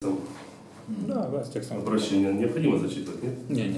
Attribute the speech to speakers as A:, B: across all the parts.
A: Да, да, с текстом.
B: Обращение необходимо зачитывать, нет?
A: Нет.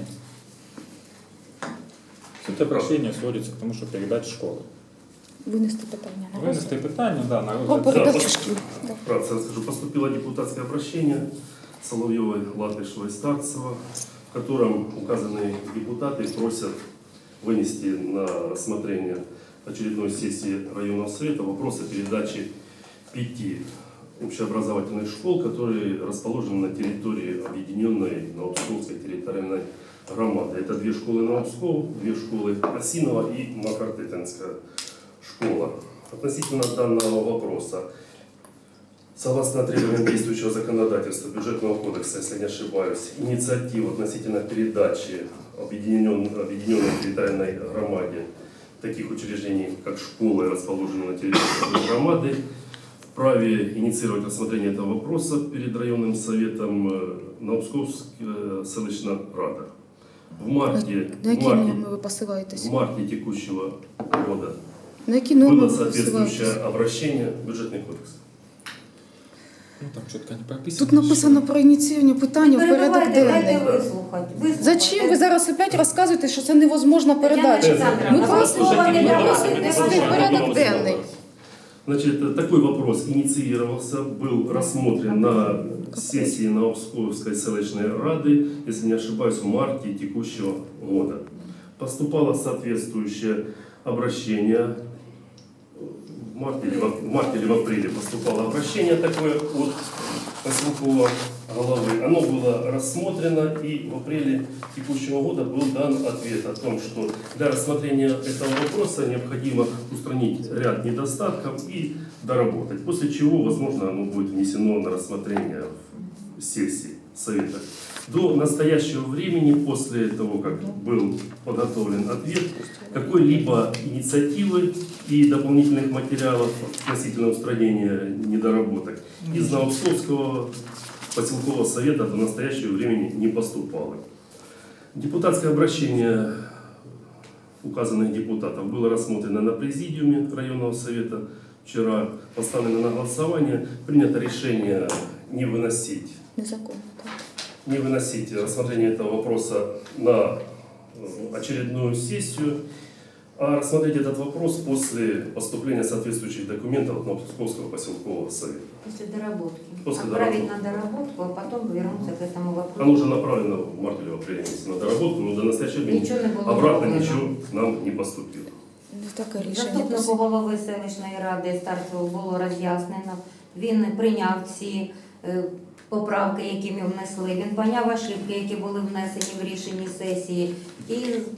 A: Суть обращения сводится к тому, что передать школы.
C: Винести питання на розгляд.
A: Вынести питание, да, на
C: О,
A: розгляд.
C: передачу шкіл. Да.
B: Вкратце расскажу. Поступило депутатское обращение Соловьевой, Латышевой, Старцева, в котором указанные депутаты просят вынести на рассмотрение очередной сессии районного совета вопрос о передаче 5 общеобразовательных школ, которые расположены на территории объединенной Новопсковской территориальной громады. Это 2 школы Новопсков, 2 школы Осинова и Макартытинская школа. Относительно данного вопроса, согласно требованиям действующего законодательства, бюджетного кодекса, если не ошибаюсь, инициатива относительно передачи объединенной территориальной громаде таких учреждений, как школы, расположенные на территории громады, вправе инициировать рассмотрение этого вопроса перед районным советом Новопсковская селищна рада.
C: На які норми ви посилаєтесь?
B: В марте текущего года
C: На які норми
B: было
C: ви
B: соответствующее
C: посилаєтесь?
B: обращение в бюджетный кодекс.
A: Ну, там четко не прописано.
C: Тут написано про ініціювання питання в порядок
D: Перебивайте,
C: денний.
D: дайте вислухати.
C: Зачем ви зараз опять розказуєте, що це невозможна передача?
D: Олександровна,
C: Ми просто
D: слова не
C: просимо
D: давали,
C: внести
D: не
C: в порядок денний.
B: Значит, такой вопрос инициировался, был рассмотрен на сессии Новопсковской селищной рады, если не ошибаюсь, в марте текущего года. Поступало соответствующее обращение, в марте или в апреле поступало обращение такое от поселкового головы. Оно было рассмотрено, и в апреле текущего года был дан ответ о том, что для рассмотрения этого вопроса необходимо устранить ряд недостатков и доработать, после чего, возможно, оно будет внесено на рассмотрение в сессии Совета. До настоящего времени, после того, как был подготовлен ответ, какой-либо инициативы и дополнительных материалов относительно устранения недоработок из Новопсковского поселкового совета до настоящего времени не поступало. Депутатское обращение указанных депутатов было рассмотрено на президиуме районного совета. Вчера поставлено на голосование, принято решение не выносить
C: Незаконно, так.
B: не выносить рассмотрение этого вопроса на очередную сессию, а рассмотреть этот вопрос после поступления соответствующих документов от Новопсковского поселкового совета.
D: После доработки.
B: После
D: Отправить на доработку, а потом вернуться к этому вопросу.
B: Оно уже направлено в марте или в апреле месяце на доработку, но до настоящего времени
D: Нічого не було
B: обратно
D: зроблено.
B: ничего к нам не поступило.
C: Не таке рішення.
D: Заступнику голови селищної ради Старцеву було роз'яснено. Він прийняв ці поправки, які ми внесли. Він поняв ошибки, які були внесені в рішенні сесії. І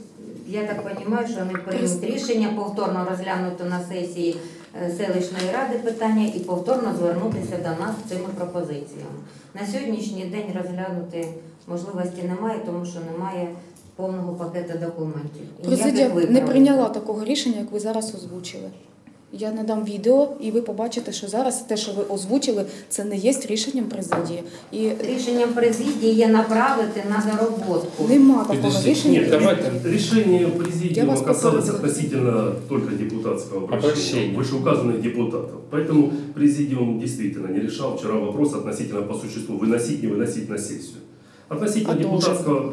D: я так розумію, що вони приймуть рішення повторно розглянути на сесії селищної ради питання і повторно звернутися до нас з цими пропозиціями. На сьогоднішній день розглянути можливості немає, тому що немає повного пакету документів. І
C: Президія
D: ніяких
C: не
D: виправлень.
C: прийняла такого рішення, як ви зараз озвучили. Я надам відео, і ви побачите, що зараз те, що ви озвучили, це не є рішенням президії. І
D: Рішенням президії є направити на зароботку.
C: нема такого
A: Подождите,
C: рішення.
B: Нет,
A: давайте.
B: решение
C: Я
B: президиума
C: вас
B: касалось
C: поправила.
B: относительно только депутатского обращения,
A: Обращения.
B: вышеуказанных депутатов. Поэтому президиум действительно не решал вчера вопрос относительно по существу выносить, не выносить на сессию. Относительно
C: А должен.
B: депутатского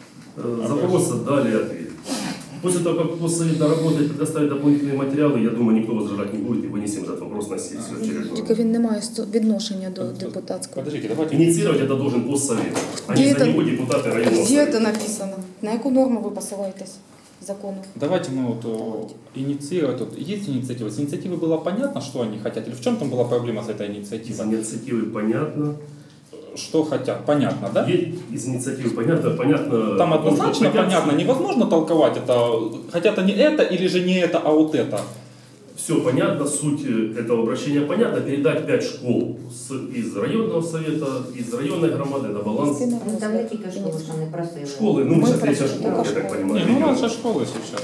B: запроса дали ответ. После того, как госсовет доработает, предоставит дополнительные материалы, я думаю, никто возражать не будет и вынесем этот вопрос на сессию очередную.
C: Тільки він не має відношення до депутатського.
A: Подождите, давайте.
B: Инициировать это должен госсовет, а
C: Где
B: не за
C: это?
B: него депутаты районного
C: Де
B: совета.
C: це написано? На яку норму ви посилаєтесь закону?
A: Давайте мы вот инициировать. Вот есть инициатива. С инициативы было понятно, что они хотят? Или в чем там была проблема с этой
B: Из
A: инициативой?
B: инициативы понятно.
A: Что хотят? Понятно, да?
B: Из инициативы понятно.
A: Там однозначно
B: хотят-
A: понятно, невозможно толковать это. Хотят они это или же не это, а вот это.
B: Все понятно, суть этого обращения понятна. Передать 5 школ из районного совета, из районной громады на баланс.
C: Вести на
D: Ну, там не
C: розгляд.
D: тільки школи, що не просили.
B: Школы, ну,
C: Мы
B: сейчас третья
C: просим
B: школа,
C: только
B: я так
C: школы.
B: понимаю.
A: Не, ну
B: регион.
A: раньше школы сейчас.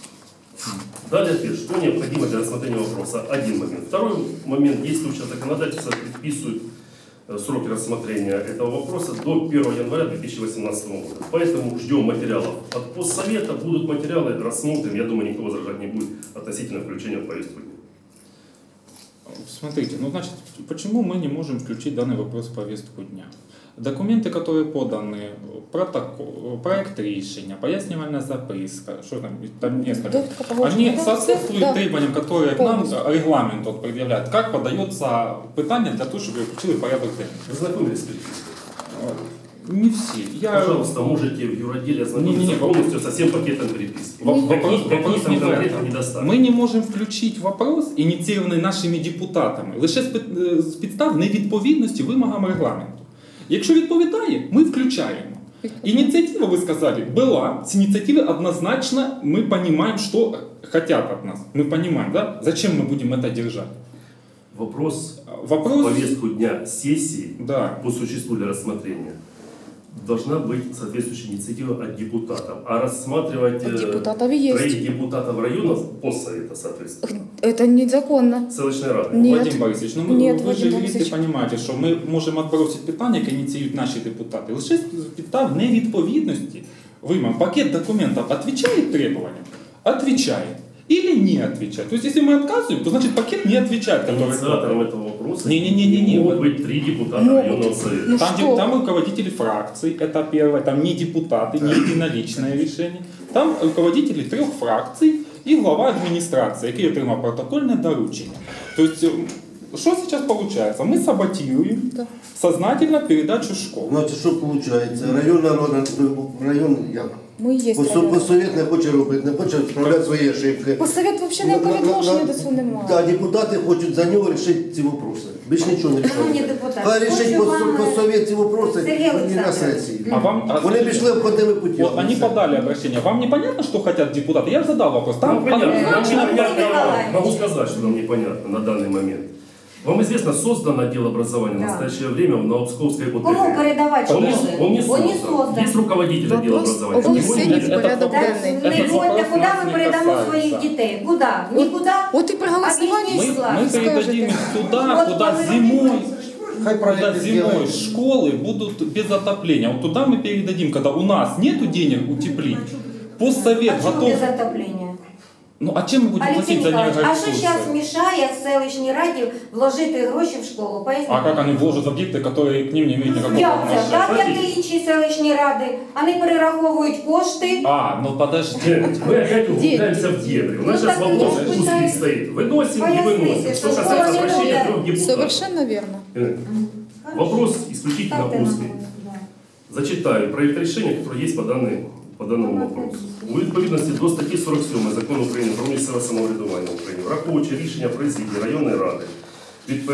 B: Дали ответ, что необходимо для рассмотрения вопроса. Один момент. Второй момент. Действующее законодательство предписывает сроки рассмотрения этого вопроса до 1 января 2018 года. Поэтому ждем материалов от постсовета. Будут материалы, рассмотрим. Я думаю, никто возражать не будет относительно включения в повестку дня.
A: Смотрите, ну значит, почему мы не можем включить данный вопрос в повестку дня? Документы, которые поданы, протокол, проект решения, пояснительная записка, что там несколько,
C: Довідка погодження,
A: они
C: да,
A: соответствуют
C: да.
A: требованиям, которые к нам
C: Полностью.
A: регламент вот предъявляет, как подается питание для того, чтобы включили порядок денний.
B: Вы знакомились с перепиской?
A: Не все. Я...
B: Пожалуйста, можете в юроделе ознакомиться
A: Не-не-не,
B: полностью со всем пакетом переписки.
A: Вопрос
B: Какие там
A: не в
B: конкретно
A: этом.
B: недостатки?
A: Ми не можемо включити вопрос, ініційований нашими депутатами, лише з підстав невідповідності вимогам регламенту. Якщо відповідає, ми включаємо. Инициатива, вы сказали, была. С инициативы однозначно мы понимаем, что хотят от нас. Мы понимаем, да? Зачем мы будем это держать?
B: Вопрос в
A: Вопрос...
B: повестку дня сессии
A: Да.
B: по существу для рассмотрения должна быть соответствующая инициатива от депутатов. А рассматривать
C: От депутатов и есть.
B: троих депутатов района постсовета, соответственно,
C: Это незаконно.
B: селищной рады.
C: Нет.
A: Вадим Борисович, ну
C: Нет,
A: вы
C: Вадим
A: же
C: Борисович.
A: юристи понимаете, що ми можемо відбросити питання, яке ініціюють наші депутати. Лише з підстав невідповідності вимогам. Пакет документов отвечает требованиям? Отвечает. Или не отвечает. То есть, если мы отказываем, то значит пакет не отвечает. Который...
B: Инициатором этого вопроса
A: Не-не-не-не-не.
B: могут быть 3 депутата
C: Могут.
B: районного совета.
C: Ну
A: Там,
C: что?
A: там руководители фракций, это первое, там не депутаты, не единоличное решение. Там руководители 3 фракций и глава администрации, який отримав протокольне доручення. То есть, что сейчас получается? Мы саботируем
C: Да.
A: сознательно передачу школ.
E: Значить, що виходить? Районна рада, район як?
C: Ми є район.
E: Посовєт не хоче робити, не хоче справляти свої ошибки.
C: Посовет вообще ніякого відношення до цього немає.
E: Так, депутати хочуть за нього рішити ці вопроси. Більш нічого не
D: Шановні
E: рішають.
D: депутати,
E: Хай рішить
D: хочу вам,
E: посовєт ці вопроси
D: Сергій
E: і на
D: Олександрович.
E: сесії.
A: А вам,
E: Вони пішли обходними путями.
A: вот они подали обращение. Вам непонятно, что хотят депутаты? Я же задал вопрос. Там
B: Нам понятно, нам
A: однозначно-
B: непонятно.
D: Николаевич.
B: Могу сказать, что нам непонятно на данный момент. Вам известно, создан отдел образования
D: Да.
B: в настоящее время в Новопсковской ОТГ?
D: Кому передавати
B: Он не,
D: школи?
B: он не
D: Он
B: создан.
D: не создан.
B: Есть руководитель отдела
C: Вопрос
B: образования.
C: о
B: Его
C: внесении
B: нет.
C: в порядок
D: Так,
C: денний.
D: не
A: Этот
D: ходьте,
A: вопрос
D: куди
A: нас
D: ми
A: не
D: передамо
A: касается.
D: своїх дітей? Куди? Нікуди.
C: От і при голосуванні
D: Об'ясніть,
A: Мы, мы
C: скажете.
A: передадим их туда,
D: Вот
A: куда
D: вы
A: зимой,
E: Хай
A: куда
E: проекти
A: зимой
E: зроблять.
A: школы будут без отопления. Вот туда мы передадим, когда у нас нету денег утеплить. Постсовет
D: А чому
A: готов.
D: без отоплення?
A: Ну а чем мы будем
D: Олексій
A: платить за
D: Ніколаївич, а що
A: энергоресурсы?
D: зараз мішає селищній раді вложити гроші в школу? Поясніть.
A: А как они вложат объекты, которые к ним не имеют никакого
D: Як це? Так,
A: отношения?
D: як і інші селищні ради. Вони перераховують кошти.
A: А, ну подожди.
B: Мы опять углубляемся в дебри. У нас
D: Ну,
B: сейчас
D: так
B: вопрос
D: я
B: узкий
D: пытаюсь
B: стоит. Выносим и
D: пояснить,
B: выносим. Что
D: что
B: касается
D: школа не
B: обращения
D: будет.
B: 3 депутатов.
C: Совершенно верно.
B: Вопрос исключительно
D: Ставте на
B: узкий.
D: голову, да.
B: Зачитаю проект рішення, який є по даному вопросу. У відповідності до статті 47 Закону України про місцеве самоврядування України, враховуючи рішення президії районної ради від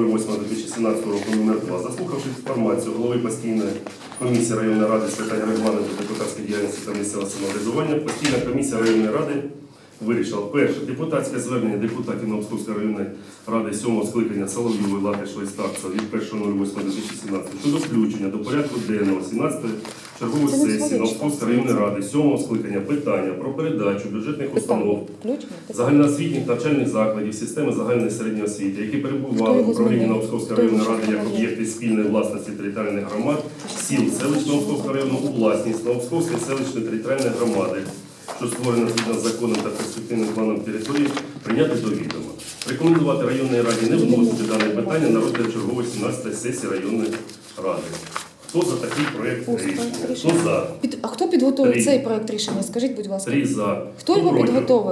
B: 1.08.2017 року номер 2, заслухавши інформацію голови постійної комісії районної ради з питань регламенту депутатської діяльності та місцевого самоврядування, постійна комісія районної ради вирішила. Перше. Депутатське звернення депутатів Новопсковської районної ради 7-го скликання Соловйової, Латишева і Старцева від 1.08.2017 щодо включення до порядку денного 17-ї чергової
C: Це не
B: сесії
C: своє,
B: Новопсковської районної ради 7-го скликання питання про передачу бюджетних установ
C: Ключ?
B: загальноосвітніх навчальних закладів системи загальної середньої освіти, які перебували в управлінні Новопсковської районної ради як об'єкти спільної власності територіальних громад, сіл селищ Новопсковського району у власність Новопсковської селищної територіальної громади, що створена згідно з законом та перспективним планом території, прийняти до відома. Рекомендувати районній раді не вносити дане питання на розгляд чергової 17-ї сесії районної ради. Хто за такий проєкт рішення? Хто за?
C: А хто підготовив
B: Три.
C: цей проект рішення? Скажіть, будь ласка.
B: 3 за.
C: Хто його
B: проти?
C: підготовив?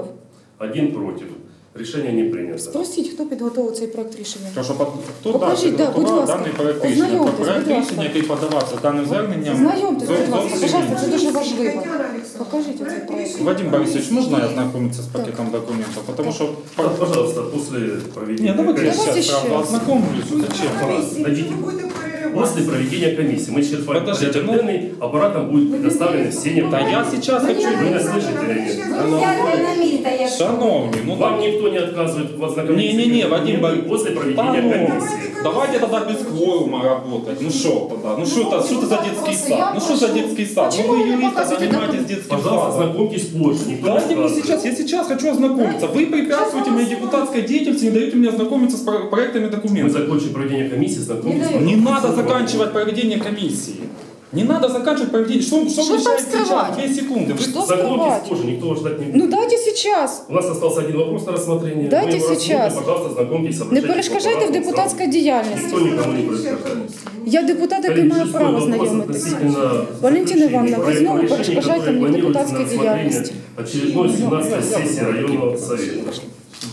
B: 1 против. Решение не принято.
C: Спросіть, хто підготовив цей проект рішення?
A: Хто
C: Покажіть, да, будь
A: підготував
C: ласка.
A: даний проект рішення?
C: Ознайомтесь,
A: Проект
C: будь ласка.
A: рішення, який подавався даним зверненням.
C: Знайомтесь, будь ласка,
A: зовсім
C: пожалуйста, це
A: інший.
C: дуже важливо. Покажіть оцей проект.
A: Вадим Борисович, можно я ознакомиться с пакетом документов? Потому что...
B: Да, пожалуйста, после проведения
A: Не, давайте я
B: комиссии.
C: Давайте
A: сейчас сразу
C: щас.
A: ознакомлюсь. Зачем?
B: Дадите. После проведения комиссии мы черпаем
A: Подождите,
B: порядок денный, аппаратом будут предоставлены все
A: Да
B: необходимые.
A: я сейчас хочу...
B: Вы нас слышите или нет?
D: Сядьте на місце, якщо.
A: Шановні, ну
B: Вам никто не отказывает в ознакомлении.
A: Не-не-не, Вадим Борисович.
B: После
A: Да
B: проведения
A: ну,
B: комиссии.
A: давайте тогда без кворума работать. Ну что тогда? Ну что это за детский сад? Ну что за детский сад? Ну
C: Почему
A: вы
C: вы не
A: юристы,
C: показываете
A: занимаетесь
C: документы?
A: детским
B: Пожалуйста,
A: садом.
B: знакомьтесь позже. Никто не
A: Дайте мне
B: отказывает.
A: сейчас, я сейчас хочу ознакомиться. Вы препятствуете мне депутатской деятельности, не даете мне ознакомиться с проектами
B: Мы
A: документов.
B: закончим проведение комиссии, знакомьтесь.
D: Не
A: Не надо заканчивать проведение комиссии. Не надо заканчивать поведение. Что
C: там
A: мешает сейчас?
C: скрывать?
A: 2 секунды. Вы
C: Что
B: Закончите
C: скрывать?
B: позже, никто вас ждать не будет.
C: Ну дайте сейчас.
B: У нас остался один вопрос на рассмотрение.
C: Дайте
B: Мы его рассмотрим,
C: сейчас.
B: Пожалуйста, знакомьтесь,
C: Не
B: обращайтесь
C: перешкоджайте в
B: по
C: депутатській
B: апарату.
C: діяльності.
B: Никто никому не перешкажает.
C: Я депутат, який
B: Коллеги,
C: має
B: шестой
C: право
B: вопрос
C: знайомитися.
B: относительно
C: Валентина Ивановна, вы
B: проекта
C: снова
B: решения,
C: перешкоджаете
B: которое
C: мне
B: планируется
C: депутатской
B: на рассмотрение
C: деятельности.
B: очередной 17-й сессии районного совета.